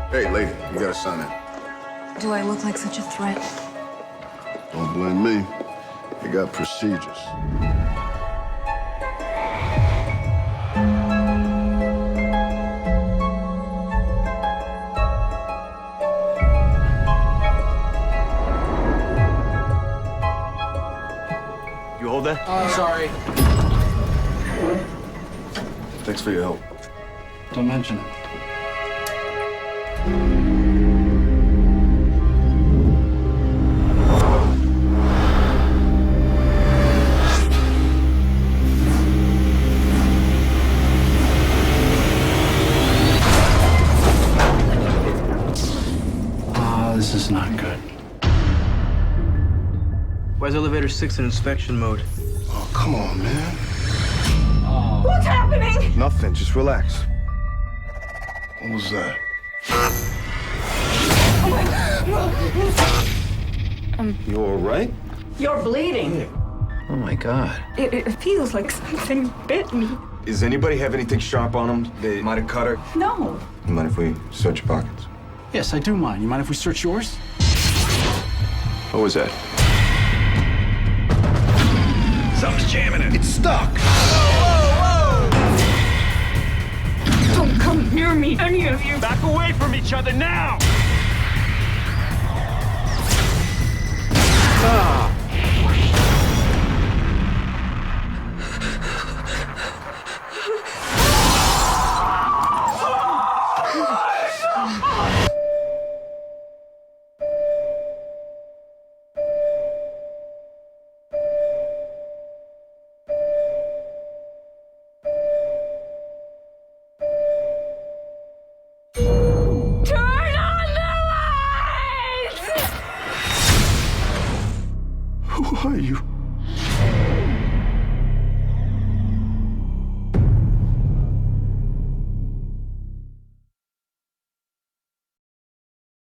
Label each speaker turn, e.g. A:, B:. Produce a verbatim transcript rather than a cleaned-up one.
A: Hey, lady, you gotta sign in.
B: Do I look like such a threat?
A: Don't blame me. You got procedures.
C: You hold that?
D: Oh, sorry.
A: Thanks for your help.
D: Don't mention it. Ah, this is not good.
C: Why is elevator six in inspection mode?
A: Oh, come on, man.
B: What's happening?
A: Nothing, just relax. What was that? You all right?
B: You're bleeding.
E: Oh my God.
B: It, it feels like something bit me.
F: Does anybody have anything sharp on them? They might have cut her.
B: No.
F: You mind if we search your pockets?
D: Yes, I do mind. You mind if we search yours?
F: What was that?
C: Something's jamming it.
A: It's stuck!
B: Don't come near me, any of you.
C: Back away from each other now!
B: Turn on the lights!
A: Who are you?